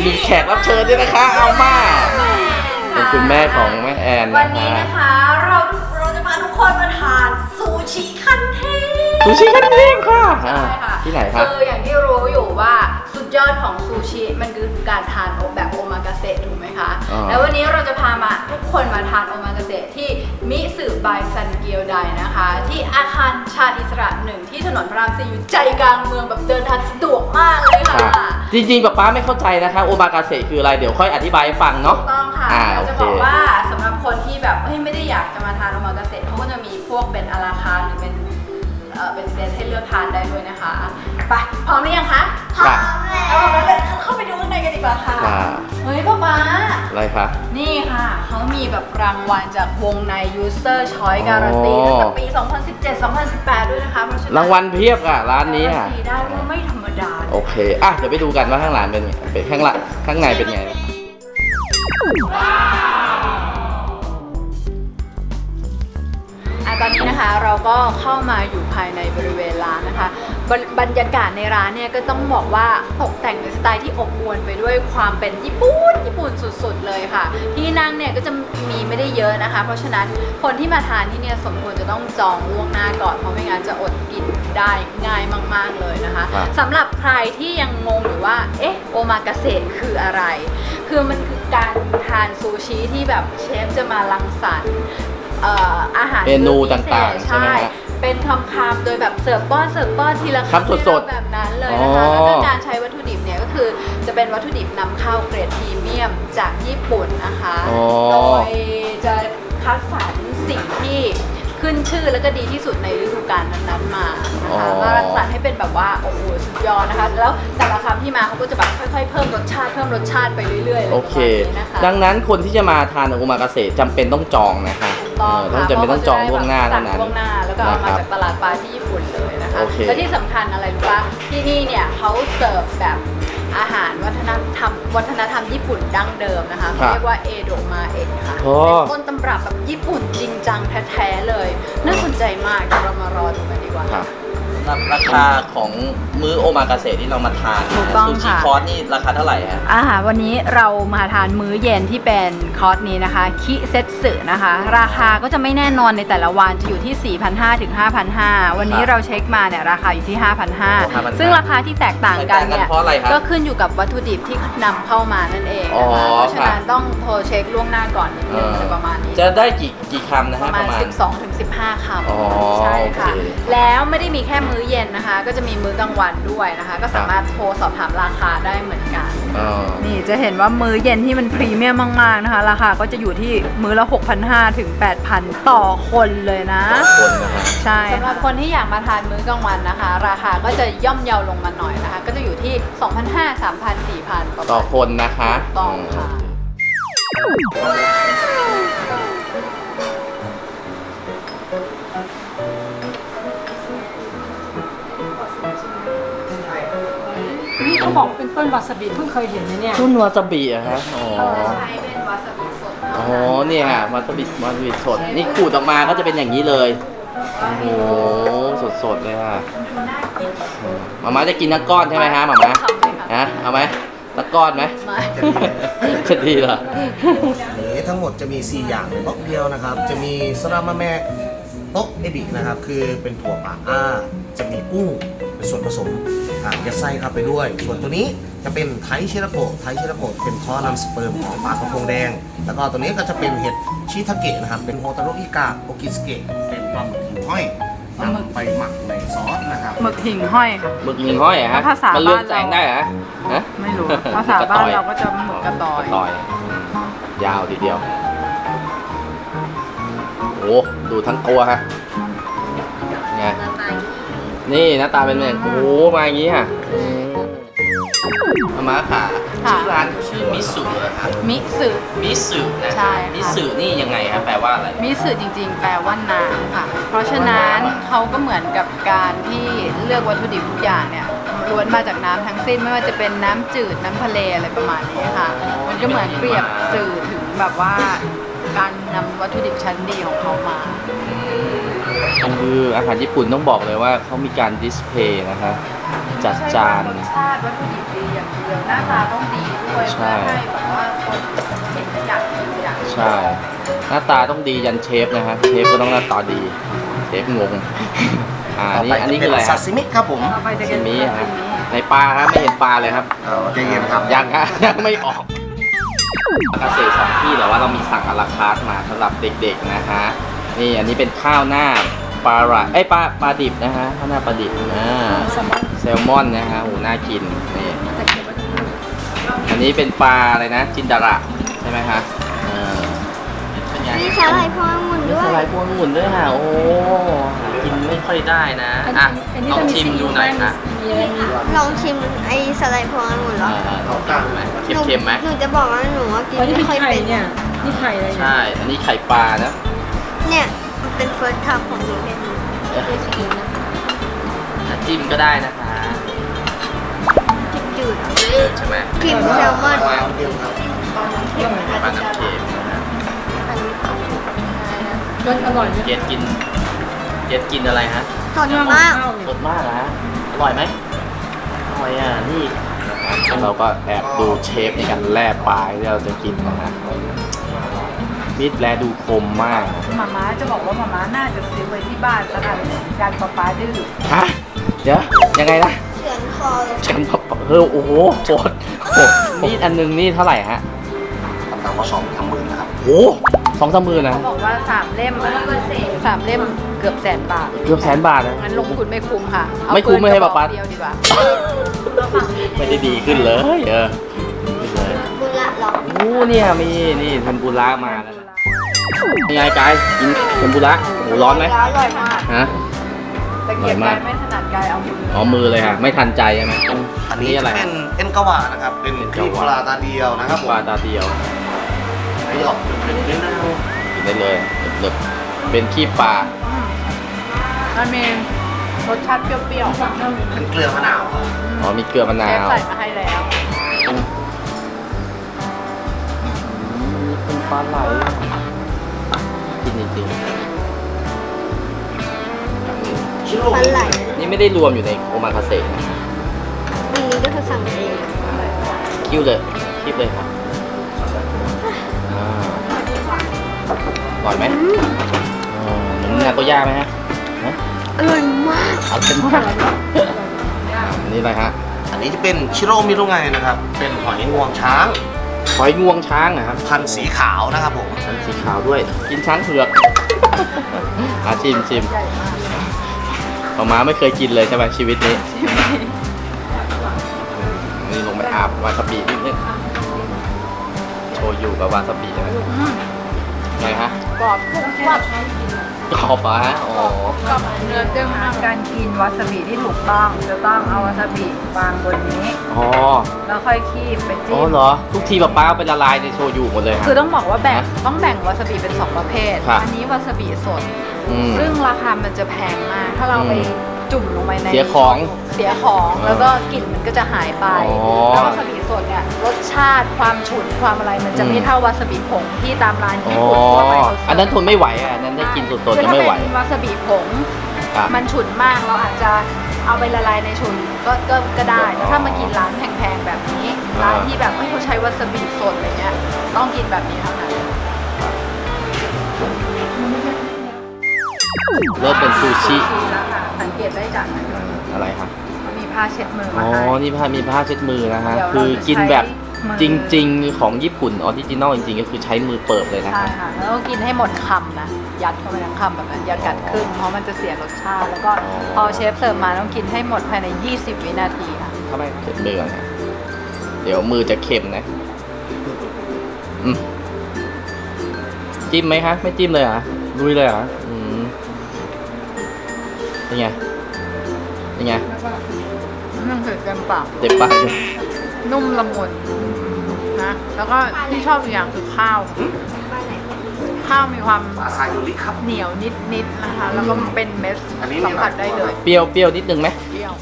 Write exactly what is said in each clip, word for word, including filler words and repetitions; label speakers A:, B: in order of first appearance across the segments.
A: มีแขกรับเชิญด้วยนะคะเอามาเป็นคุณแม่ของแม่แอนนะคะวันนี้นะคะเราเราจะพาทุกคนมาทานซูชิคันเทพซูชิคันเทพค่ะใช่ค่ะที่ไหนครับคืออย่างที่รู้อยู่ว่าสุดยอดของซูชิมันคือการทานแบบโอมากาเสะถูกไหมคะแล้ววันนี้เราจะพามาทุกคนมาทานโอมากาเสะที่มิสึบายซันเกียวไดนะคะที่อาคารชาญอิสระหนึ่งที่ถนนพระรามสี่อยู่ใจกลางเมืองแบบเดินทางสะดวกมากเลยค่ะจริงๆป๊าป๊าไม่เข้าใจนะคะโอมากาเสะคืออะไรเดี๋ยวค่อยอธิบายให้ฟังเนาะถูกต้องค่ะเราจะบอกว่าสำหรับคนที่แบบไม่ได้อยากจะมาทานโอมากาเสะเขาก็จะมีพวกเป็นอาราคาร์หรือเป็นเป็นเซตให้เลือกทานได้ด้วยนะคะไปพร้อมหรือยังคะพร้อมแล้วเอาเลยเข้าไปดูข้างในกันดีกว่าค่ะเฮ้ยป๊าป๊าอะไรคะนี่ค่ะเขามีแบบรางวัลจากวงใน User Choice Guarantee ตั้งแต่ปี สองพันสิบเจ็ด สองพันสิบแปด ด้วยนะคะเพราะฉะนั้นรางวัลเพียบอ่ะร้านนี้อ่ะได้ว่าไม่ธรรมดาโอเคอ่ะเดี๋ยวไปดูกันว่าข้างหลังเป็นไงเป็นข้างหลังข้างในเป็นไงตอนนี้นะคะเราก็เข้ามาอยู่ภายในบริเวณร้านนะคะบรรยากาศในร้านเนี่ยก็ต้องบอกว่าตกแต่งในสไตล์ที่อบอวลไปด้วยความเป็นญี่ปุ่นญี่ปุ่นสุดๆเลยค่ะที่นั่งเนี่ยก็จะมีไม่ได้เยอะนะคะเพราะฉะนั้นคนที่มาทานที่เนี่ยสมควรจะต้องจองล่วงหน้าก่อนเพราะไม่งั้นจะอดกินได้ง่ายมากๆเลยนะคะสำหรับใครที่ยังงงอยู่ว่าเอ๊ะโอมากาเสะคืออะไรคือมันคือการทานซูชิที่แบบเชฟจะมารังสรรค์อาหารเมนูต่างๆใช่ไหมครับเป็นคำๆโดยแบบเสิร์ฟป้อนเสิร์ฟป้อนทีละคำสดๆแบบนั้นเลยนะคะแล้วก็การใช้วัตถุดิบเนี่ยก็คือจะเป็นวัตถุดิบนำเข้าเกรดพรีเมียมจากญี่ปุ่นนะคะโดยจะคัดสรรสิ่งที่ขึ้นชื่อแล้วก็ดีที่สุดในฤดูกาลนั้นๆมานะคะมารังสรรค์ให้เป็นแบบว่าโอ้โหสุดยอดนะคะแล้วแต่ละคำที่มาเขาก็จะแบบค่อยๆเพิ่มรสชาติเพิ่มรสชาติไปเรื่อยๆเลยโอเคดังนั้นคนที่จะมาทานโอมากาเสะจำเป็นต้องจองนะคะต้องจำเป็นต้องจองล่วงหน้าเท่านั้นล่วงหน้าแล้วก็เอามาจากตลาดปลาที่ญี่ปุ่นเลยนะคะและที่สำคัญอะไรรู้ป่ะที่นี่เนี่ยเขาเสิร์ฟแบบอาหารวัฒนธรรมวัฒนธรรมญี่ปุ่นดั้งเดิมนะคะเขาเรียกว่าเอโดะมาเอะค่ะเป็นต้นตำรับแบบญี่ปุ่นจริงจังแท้ๆเลยน่าสนใจมากเดี๋ยวเรามารอดูกันดีกว่าราคาของมื้อโอมากาเสะที่เรามาทานซูชิคอร์สนี่ราคาเท่าไหร่ฮะอาหารวันนี้เรามาทานมื้อเย็นที่เป็นคอร์สนี้นะคะคิเซตสึนะคะราคาก็จะไม่แน่นอนในแต่ละวันจะอยู่ที่ สี่พันห้าร้อย ถึง ห้าพันห้าร้อย วันนี้เราเช็คมาเนี่ยราคาอยู่ที่ ห้าพันห้าร้อย ซึ่งราคาที่แตกต่างกันเนี่ยก็ขึ้นอยู่กับวัตถุดิบที่นำเข้ามานั่นเองนะคะเพราะฉะนั้นต้องโทรเช็คล่วงหน้าก่อนนิดนึงจะประมาณนี้จะได้กี่กี่คำนะฮะประมาณ สิบสอง ถึง สิบห้า คำใช่ค่ะแล้วไม่ได้มีแค่มื้อเย็นนะคะก็จะมีมื้อกลางวันด้วยนะคะก็สามารถโทรสอบถามราคาได้เหมือนกันนี่จะเห็นว่ามื้อเย็นที่มันพรีเมียมมากๆนะคะราคาก็จะอยู่ที่มื้อละ หกพันห้าร้อย ถึง แปดพัน ต่อคนเลยนะต่อคนนะคะใช่สำหรับคนที่อยากมาทานมื้อกลางวันนะคะราคาก็จะย่อมเยาลงมาหน่อยนะคะก็จะอยู่ที่ สองพันห้าร้อย สามพัน สี่พัน ต่อคนนะคะต้องค่ะ
B: นี่เขาบอกเป็นต้นวาซาบิเพิ่งเคยเห็นนะเนี่ย
A: ต้นวาซาบิอะฮะอ๋อ
B: ใช่เป็นวาซาบิสด
A: อ๋อเนี่ยค่ะวาซาบิวาซาบิสดนี่ขูดออกมาก็จะเป็นอย่างนี้เลยโอ้โหสดๆเลยค่ะหม่าม้าจะกินทั้งก้อนใช่ไหมฮะหม่าม้าฮะเอาไหมทั้งก้อนไหมจะดีเหรอ
C: นี้ทั้งหมดจะมีสี่อย่างในบล็อกเดียวนะครับจะมีสรามะแมะโต๊ะเอบินะครับคือเป็นถั่วปลาอ้าจะมีกุ้งเป็นส่วนผสมยัดไส้เข้าไปด้วยส่วนตัวนี้จะเป็นไทชิระโกะไทชิระโกะเป็นท่อนำสเปิร์มของปลากระพงแดงแล้วก็ตัวนี้ก็จะเป็นเห็ดชิทาเกะนะครับเป็นโฮตาโรอิกะโอกิสเกะเป็นปลาหมึกหิ่งห้อยนำไปหมักในซอสนะครับ
B: หมึกหิ่งห้อยค่ะ
A: หมึกหิ่งห้อยอะฮะมันเลือกแสงได้เหรอฮะ
B: ไม่รู้ภาษาบ้านเราก็จะหมึกกระตอย
A: กระตอยยาวทีเดียวโอ้ดูทั้งตัวฮะไงนี่หน้าตาเป็นแบบโอ้มาอย่างนี้ค่ะมาม่าค่ะชื่อร้านชื่อมิสึเหรอครับ
B: มิสึ
A: มิสึนะใช่มิสึนี่ยังไงครับแปลว่าอะไร
B: มิสึจริงๆแปลว่าน้ำค่ะเพราะฉะนั้นเขาก็เหมือนกับการที่เลือกวัตถุดิบทุกอย่างเนี่ยล้วนมาจากน้ำทั้งสิ้นไม่ว่าจะเป็นน้ำจืดน้ำทะเลอะไรประมาณนี้ค่ะมันก็เหมือนเปรียบสื่อถึงแบบว่าการนำวัตถุดิบชั้นดีของเขามา
A: คืออาหารญี่ปุ่นต้องบอกเลยว่าเขามีการดิสเพย์นะคะ
D: จัด
B: ใช่
D: จาน
B: รสชาติวัตถุดิบดีอย่างเดียวหน้าตาต้องดีด้วย
D: ใช่
B: เพื่อให้แบบว่าคนเห็นแล้วอยากกินอยากกิน
D: ใช่ หน้าตาต้องดียันเชฟนะฮะเชฟก็ต้องหน้าตาดีเชฟงงอ่า
C: ต่อ
D: นี่
C: ไป
D: อัน
C: จะ
D: นี้
C: เป็
D: คื
C: น
D: ออะไรค
C: ซา
D: รับ
C: ซิมิครับผม
B: ต่อไปจะ
D: ซา
B: เป็
D: ซิ
B: น
D: มิ
B: ซา
D: ครับ
B: ซิมิ
D: ในปลาครับไม่เห็นปลาเลยครับ
C: เอาใจเย็นครับ
D: ยังอะยังไม่ออกเกษตรสองที่แต่ว่าเรามีสั่งอะลาคาร์ทมาสำหรับเด็กๆนะฮะนี่อันนี้เป็นข้าวหน้าปลาไหลเอ้ยปลาปลาดิบนะฮะข้าวหน้าปลาดิบอ่าแซลมอนนะฮะโอ้น่ากินนี่อันนี้เป็นปลาอะไรนะจินดาระใช่ไหมฮะเออเป็นไง
E: มีสาหร่ายพวงองุ่น
D: มี
E: ด้ว
D: ส
E: ย
D: ไลด์พวงองุ่นด้วยค่ะโอ้หากินไม่ค่อยได้นะอ่ะลองชิมดูหน่อยค่ะ
E: ลองชิมไอ้สาหร่ายพวงองุ่นเหร
D: เอ
E: อ
D: อลองชิมดูไหมเค็มๆไหม
E: หนูจะบอกว่าหนูว่ากิน
F: อ๋อนี่
E: ไม่
F: เป็น
E: ค่อย
F: ไข่
E: เป็น
F: เนี่ย นี่ไข่อะไรเนี่ย
D: ใช่ อันนี้ไข่ปลานะ
E: เนี่ยมันเป็นเฟิร์สคัพของหนูเป็นเป็นสกินนะ
D: อ่ะจิ้มก็ได้นะคะ
E: จืด
D: ใช่ไหม
E: ๆกลิ่นแซลมอน
C: ปลาเดียวครับ
D: ปลาน้ำเค็มนะฮะ
F: รสอร่อยไหม
D: เกดกินเกดกินอะไรฮะ
E: สดมาก
F: ข้าว
D: สดมากเหรอฮะอร่อยไหมอร่อยอ่ะนี่เราก็แอบดูเชฟในการแล่ปลาที่เราจะกินนะฮะมีดแลดูคมมาก
B: หมาม้าจะบอกว่าหมาม้าน่าจะซื้อไว้ที่บ้านสักอันการปลาปลาดื้อ
D: ฮะเดี๋ยวยังไงนะ
E: เฉือนคอเลย
D: ฉันเฮ้ยโอ้โหโหดโหดมีดอันหนึงนี่เท่าไหร่ฮะ
C: ตำตำก็สองทำมือนะครับ
D: โอ้สองสามหมื่นนะ
B: เขาบอกว่าสามเล่มสามเล่มเกือบแสนบาท
D: เกือบแสนบาทนะ
B: งั้นลงทุนไม่คุ้มค่ะเอา
D: ไม่คุ้มไม่ให้
B: ปืนกระบ
D: ปะ
B: อก
D: ปะ
B: เดียวดีกว่า
D: ไม่ได้ดีขึ้นเลยเออไม่เลย
E: บุระหรอ
D: โอ้เนี่ยมีนี่เทมปุระมาแล้วนะยังไงกายกินเทมปุระโอ้ร้อนไหม
E: อร่อยมาก
D: ฮะ
B: แต่เกียบกายไม่ถนัดกายเอามือ
D: อ๋อมือเลยฮะไม่ทันใจใช่ไหม
C: อันนี้
D: นี่
C: จะ
D: อะไร
C: เป็นเอ็นกวานะครับ เป็น
D: เอ็น
C: ค
D: ก
C: รี
D: วา
C: ปลาตาเดียวนะครับผม
D: ปลาตาเดียว
C: อันนี้ออกเป็นเป็นเนื้อ
D: กินได้เลยเลิบๆเป็นขี้ปลา
B: มันมีรสชาติเปรี้ยวๆ
C: เป็นเกลือมะนาวครับ
D: อ๋อมีเกลือมะนา
B: เชฟ
D: ว
B: ใส่มาให้แล้ว
D: เป็นปลาไหลกินจริง
C: ชิโร่
E: ปลาไหล
D: ๆนี่ไม่ได้รวมอยู่ในโอมาคาเซ่นะ
E: อันนี้ก็คือสั่งเอง
D: คิ้วเลยคีบเลยครับอ่าอร่อยไหมอ๋อเหมือนนาโกย่าไหมฮะฮะ
E: อร่อยมาก
D: เอาเป็นมากนี่อะไรฮะ
C: อันนี้จะเป็นชิโร่มิรุไงนะครับ เป็นหอยงวงช้าง
D: หอยงวงช้างนะครับ
C: พันธุ์สีขาวนะครับผม
D: ชั้นสีขาวด้วย กินช้างเผือก อาชิมชิมหมาม้าไม่เคยกินเลยใช่ไหมชีวิตนี้ นี่ลงไปอาบวาซาบินิดนึงโชยุกับวาซาบิใช่ไหมไงฮะ
B: กรอบกรุบกรับ
D: กรอบเหรอฮะอ๋อ
B: กับเนื้อเด้งมากการกินวาซาบิที่ถูกต้องจะต้องเอาวาซาบิวางบนนี้
D: อ๋อ
B: แล้วค่อยคีบไป
D: อ๋
B: จิ้
D: อ
B: ม
D: เหรอ ทุกทีป๊าป้าเป็นละลายในโชยุหมดเลยฮะ
B: คือต้องบอกว่าแบ่ง
D: ฮะ
B: ต้องแบ่งวาซาบิเป็นสองประเภท
D: ครับ
B: อันี้วาซาบิสด
D: อืม
B: ซึ่งราคามันจะแพงมาก ถ้าเราไป
D: อืม
B: จุ่มลงไปใน
D: เสียของ
B: เสียของ
D: อ่า
B: แล้วก็กลิ่นมันก็จะหายไป
D: อ๋อ
B: แล้ววาซาบิสดเนี่ยรสชาติความฉุนความอะไรมันจะไม่
D: อืม
B: เท่าวาซาบิผงที่ตามร้าน
D: อ๋
B: ญี่
D: อ
B: ปุ่นทั่วไปเขาซื้
D: อันนั้นทนไม่ไหวอ่ะอันนั้นได้กินสด
B: คือ
D: ๆจะ
B: ถ้า
D: ไม่ไหว
B: เป็นวาซาบิผง
D: อ่ะ
B: มันฉุนมากเราอาจจะเอาไปละลายในฉุนก็ก็ก็ได้แต่ถ้ามากินร้านแพงๆแบบนี้ ร้านที่แบบไม่เขาใช้วาซาบิสดอะไรเงี้ยต้องกินแบบนี้เท่านั้น
D: เริ่มเป็นซูชิ
B: แล้วค่ะสังเกตได้จากนั้น
D: อะไรครับ
B: มีผ้าเช็ดมือ
D: อ๋
B: มา
D: อ
B: ให้
D: นี่ผ้ามีผ้าเช็ดมือนะฮะ
B: เดี๋ยวเรา
D: คือกินแบบ
B: จะใช้มือ
D: จริง ๆ ของญี่ปุ่นออริจินอลจริง ๆ ก็คือใช้มือเปิบเลยนะ
B: ใช่
D: ครับ
B: ค่ะแล้วก็กินให้หมดคำนะยัดเข้าไปทั้งคำแบบนั้นอย่ากัดครึ่งเพราะมันจะเสียรสชาติ แล้วก็
D: อ๋อ
B: พอเชฟเสิร์ฟมาต้องกินให้หมดภายใน ยี่สิบ วินาทีค่ะ
D: ถ้าไม่เช็ดมือก่อนนะเดี๋ยวมือจะเค็มนะอืมจิ้มไหมคะไม่จิ้มเลยเหรอลุยเลยเหรออืมเป็นไงเป็นไง
B: มันคือเต็มปาก
D: เจ็บปากเลย
B: นุ่มละมุนนะแล้วก็ที่ชอบอีกอย่างคือข้าว ข้าวมีความ
C: ปลาซายูริครับ
B: เหนียวนิดๆนะคะ แล้วก็เป็นเม็ด
C: อันนี้
B: สัมผัสได้เลย
D: เปรี้ยวเปรี้ยวนิดนึงไหม
B: เปรี้ยว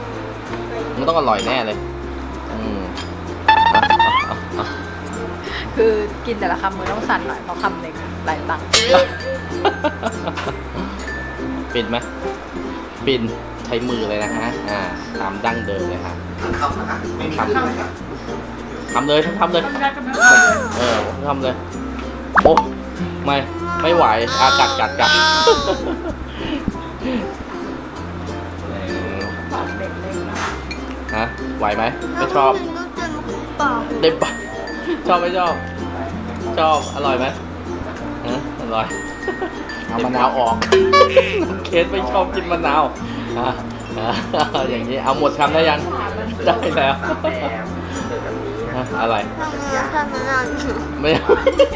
D: มันต้องอร่อยแน่เลยอืมอ่ะอ่ะอ่ะ
A: คือกินแต่ละคำมือต้องสั่นหน่อยเพราะคำเล็กหลายตังค์
D: ปินไหมปินใช้มือเลยนะฮะอ่าตามดั้งเดิมเลยฮะ
C: ทำนะครับไม่มี
D: ทำ
C: เครื่องนะครับ
D: ทำเลยทำเลย
F: ทำได้ก็ไม่ได้เลย
D: เออทำเลย โอ้ไม่ไม่ไหวอากัดกัดกัด
A: ปากเด็กเลยนะ
D: ฮะไหวไหมไม่ชอบ
E: เปล่า
D: เต็มปากชอบไม่ชอบ ชอบอร่อยไหมฮะอร่อยเอามะนาวออก น้องเคสไม่ชอบกินมะนาวอ่ะอ่ะอย่างนี้เอาหมดคำได้ยังได้แล้วฮะอะไร
E: ทำไมทำไมนานอยู่
D: ไม่เอา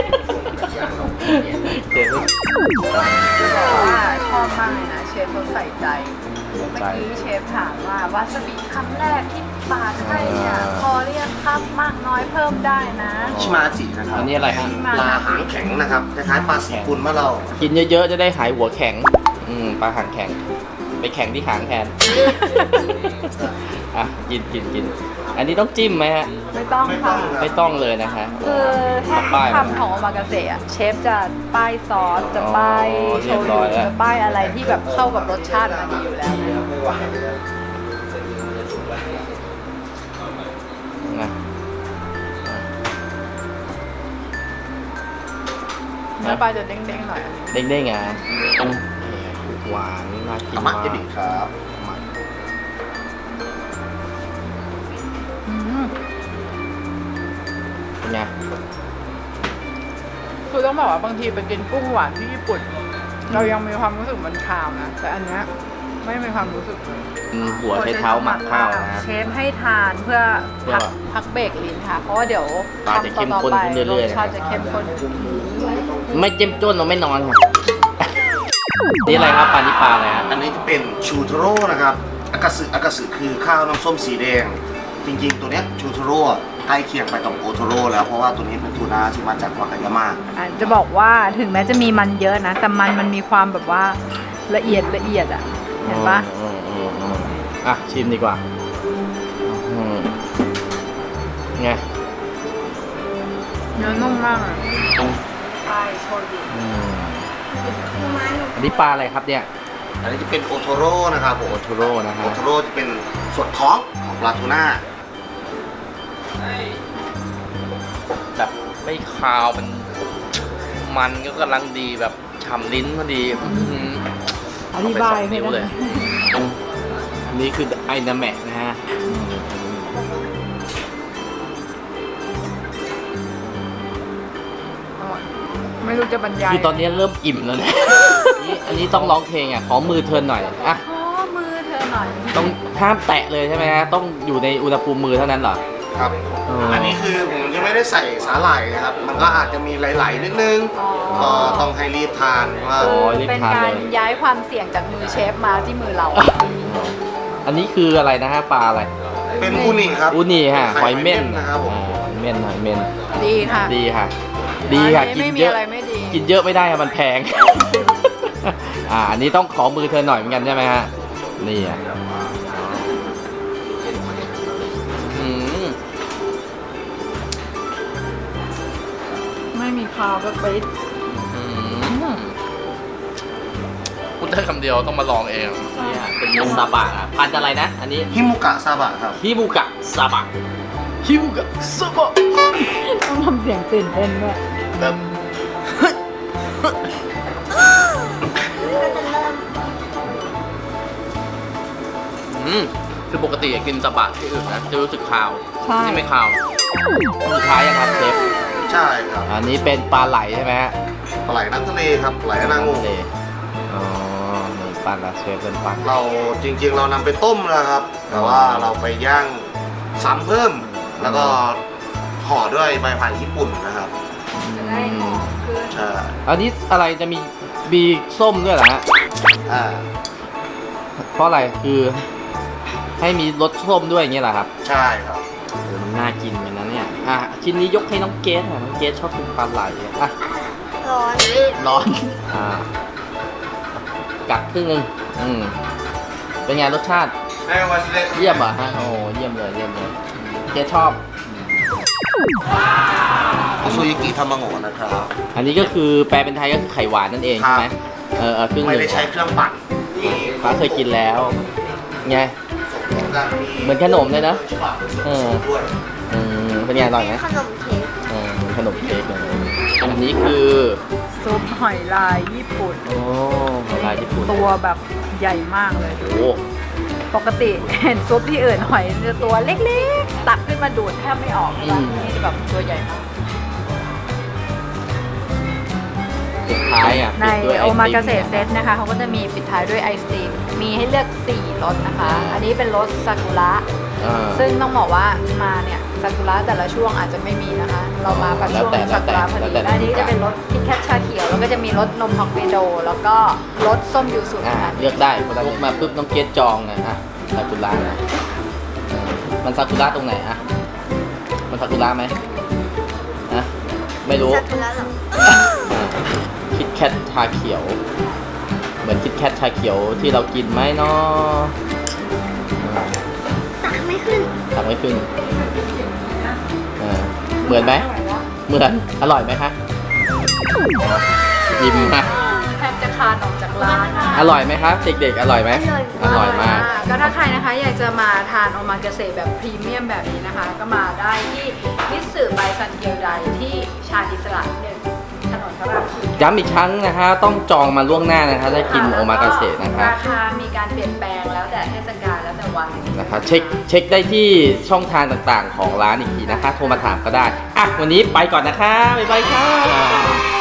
D: เจ๊ไม่
A: ว่าชอบมากเลยนะเชฟเขาใส่ใจ เมื่อกี้เชฟถามว่าวาซาบิคำแรกที่ปาดให้เนี่ยพอเรียกครับมากน้อยเพิ่มได้นะ
C: ชิมาจินะครับ
D: อันนี้อะไรฮะ
C: ปลาหางแข็งนะครับคล้ายๆปลาสีกุลมะเรา
D: กินเยอะๆจะได้หายหัวแข็ง อืมปลาหางแข็ง ไปแข็งที่หางแทน อ่ะกินกินกิน อันนี้ต้องจิ้มไหมฮะ
A: ไม่ต้องค่ะ
D: ไม่ต้องเลยนะฮะ
A: คือแค่
D: ป้าย
A: คำของโอมากาเสะอะเชฟจะป้ายซอส จะป้าย
D: อ๋อ
A: โช
D: เรียบร้
A: ยุ
D: อยแล้ว
A: จะป้ายอะไรที่แบบเข้ากับรสชาติมันดีอยู่แล้วนะ
D: นะ
A: เนื้อปลาจะเด้งๆหน่อยอันนี้
D: เด้งๆไงอืมหวานน่ากิน
C: ธรร
D: มาม
C: ะ
D: ก
C: เอบิครับ
A: อืม
D: เป็นไง
A: คือต้องบอกว่าบางทีไปกินกุ้งหวานที่ญี่ปุ่น เรายังมีความรู้สึกมันคาวนะ แต่อันเนี้ยไม่มีความรู้สึกเลย
D: อืมหัวใช้เท้าหมักข้าวนะฮะ
A: เชฟให้ทานเพื่อ
D: เพื่อ
A: พักพักเบรกลิ้นค่ะ เพราะว่าเดี๋ยว
D: ปลาจะเข้มข้นขึ้นเรื่อยๆ
A: รสชาติจะเข้มข้น
D: ไม่เจ้มจ้นเราไม่นอนค่ะ นี่อะไรครับปลานี่ปลาอะไรฮะ
C: อันนี้จะเป็นชูโทโร่นะครับอากาสึอากาสึคือข้าวน้ำส้มสีแดง จริงๆ ตัวเนี้ยชูโทโร่ใกล้เคียงไปกับโอโทโร่แล้วเพราะว่าตัวนี้เป็นทูน่าที่มาจากวากายาม่า
A: อ่ะจะบอกว่าถึงแม้จะมีมันเยอะนะ แต่มันมันมีความแบบว่าละเอียดละเอียดอ่ะ เห็นปะ
D: อืมอืมอืมอ่ะ ชิมดีกว่าอืมไง
A: เนื้อนุ่มมากอ่ะ
D: อืม
A: ใช่โชยุ
D: อืมอันนี้ปลาอะไรครับเนี่ย
C: อันนี้จะเป็นโอโทโร่นะครับผม
D: โอโทโร่นะฮะ
C: โอโทโร่จะเป็นส่วนท้องของปลาทูน่า
D: แบบไม่คาวมัน มันก็กำลังดีแบบฉ่ำลิ้นพอดีอื้อหือ
A: อธิบาย
D: เอไปสองนิ้วเลยอืมอันนี้คือไอนาแมะนะฮะอืม
A: ไม่รู้จะบรรยาย
D: คือตอนนี้เริ่มอิ่มแล้วนะ นี่อันนี้ต้องร้องเพลงอ่ะ ขอมือเทิร์นหน่อย อ่ะ
A: ขอมือเธอหน่อย
D: ต้องห้ามแตะเลยใช่ไหมฮะ ต้องอยู่ในอุณหภูมิมือเท่านั้นเหรอ
C: ครับ
D: อ๋ออั
C: อันนี้คือผมจะไม่ได้ใส่สาหร่ายนะครับ มันก็อาจจะมีไหลๆนิดนึง ก็ต้องให้รีบทานว่า
D: โอ้ยรีบ
A: เป็น
D: ทาน
A: การ
D: เลย
A: ย้ายความเสี่ยงจากมือเชฟมาที่มือเรา
D: อันนี้คืออะไรนะฮะ ปลาอะไร
C: เป็นอูนิครับ
D: อูนี่ฮะ หอยเม่น
C: นะครับผม
D: อ่าหอยเม่น หอยเม่น
A: ดีค่ะ
D: ดีค่ะ ดีค่ะ
A: อัน
D: กิ
A: นี้
D: น
A: ไม่มี
D: เยอะ
A: อะไรไม่ดี
D: กินเยอะไม่ได้ค่ะมันแพง อ่า อันนี้ต้องขอมือเธอหน่อยเหมือนกันใช่ไหมฮะ นี่อ่ะอืม
A: ไม่มีคาวก็ปิด
D: อืมพูดได้คำเดียวต้องมาลองเองเนี่ยเป็นเนื้อซาบะอ่ะพันธุ์อะไรนะ อันนี้
C: ฮิมุกะซาบะครับ
D: ฮิบุกะซาบะฮิบุกะซาบะ
A: ต้องทำเสียงตื่นเต้นด้วย
D: แบบ อืมคือปกติกินซาบะที่อื่นนะจะรู้สึกคาว
A: ใช่
D: นี่ไม่คาวสุดท้ายยังครับเชฟ
C: ใช่ครับ
D: อันนี้เป็นปลาไหลใช่ไหมฮะ
C: ปลาไหลน้ำทะเลครับปลาไหลนางงู
D: ทะเลอ๋อนี่ปลาละเชฟเป็นปลา
C: เราจริงๆ เรานำไปต้มนะครับ แต่ว่าเราไปย่างซ้ำเพิ่ม แล้วก็ห่อด้วยใบพายญี่ปุ่นนะครับ
A: จะได้หอมขึ้น
C: ใช่
D: อันนี้อะไรจะมีบีส้มด้วยเหรอฮะ
C: อ่า
D: เพราะอะไรคือให้มีรสส้มด้วยอย่างเงี้ยเหรอครับ
C: ใช่ครับ
D: เออมันน่ากินเหมือนนั้นเนี่ยอ่ะชิ้นนี้ยกให้น้องเกสค่ะน้องเกสชอบกินปลาไหลอ่ะ
E: ร้อน
D: ร้อนอ่ากัดครึ่งหนึงอืมเป็นไงรสชาติเยี่ยมเหรอ่ะฮะโอ้เยี่ยมเลยเยี่ยมเลยเกสชอบ
C: อซูยากิทามาโงะนะครับ
D: อันนี้ก็คือแปลเป็นไทยก็คือไข่หวานนั่นเองใช่ไหม
C: ครับ
D: เออเออครึ่งห
C: ไม่
D: นึ่ง
C: ได้ใช้เครื่องปั่นนี่
D: ฟ้าเคยกินแล้วไง เหมือนขนมเลยนะเออ
C: ด้วย
D: อืมเป็นไงอร่อยไหม
E: ขนมเค้ก
D: เออเหมือนขนมเค้กเลยอันนี้คือ
B: ซุปหอยลายญี่ปุ่น
D: โอ้ลายญี่ปุ่น
B: ตัวแบบใหญ่มากเลย
D: โอ้
B: ปกติเห็นซุปที่อื่นหอยจะตัวเล็กๆ ตักขึ้นมาดูดแทบไม่ออกเลยนะนี่จะแบบตัวใหญ่มาก
D: สุดท้ายอ่ะ
B: ใน
D: ปิดด้วยไ
B: โอมากาเสะ
D: ติม
B: เซตนะคะเขาก็จะมีปิดท้ายด้วยไอศครีมมีให้เลือกสี่รสนะคะ อันนี้เป็นรสซากุระ
D: อ่า
B: ซึ่งต้องบอกว่ามาเนี่ยซากุระแต่ละช่วงอาจจะไม่มีนะคะ เรามากับช่วง
D: แล้วแต่
B: ซากุระพอ
D: แล้ว
B: ดี
D: แต่
B: และอันนี้จะเป็นรสคิดแคทชาเขียวแล้วก็จะมีรสนมฮอกไกโดแล้วก็รสส้มยูสุ
D: อ่า
B: นะคะ
D: เลือกได้พอเรามาปุ๊บน้องเกดจองนะฮะซากุระนะเออมันซากุระตรงไหนอ่ะมันซากุระไหมนะไม่รู้
E: ซากุระเหรอ
D: คิดแคทชาเขียว เหมือนคิดแคทชาเขียวที่เรากินไหมเนาะ
E: ตักไม่ขึ้น
D: ทำไม่ขึ้นเออเหมือนไหมเหมือนอร่อยไหมคะยิ้มนะ
B: แทบจะคานออกจากร้านนะคะ
D: อร่อยไหมครับเด็กๆอร่อยไหมอร่อยมาก
B: ก็ถ้าใครนะคะอยากจะมาทานโอมากาเสะแบบพรีเมียมแบบนี้นะคะ ก็มาได้ที่มิตสึไบซันเกียวไดที่ชาญอิสระหนึ่งถนนพระรามสี่
D: ย้ำอีกครั้งนะคะต้องจองมาล่วงหน้านะคะถ้ากินโอมากาเสะนะคะ
B: ราคามีการเปลี่ยนแปลงแล้วแต่เทศกาลแล้วแต่วัน
D: นะคะเช็คเช็คได้ที่ช่องทางต่างๆของร้านอีกทีนะคะ โทรมาถามก็ได้อ่ะวันนี้ไปก่อนนะคะบ๊ายบายค่ะ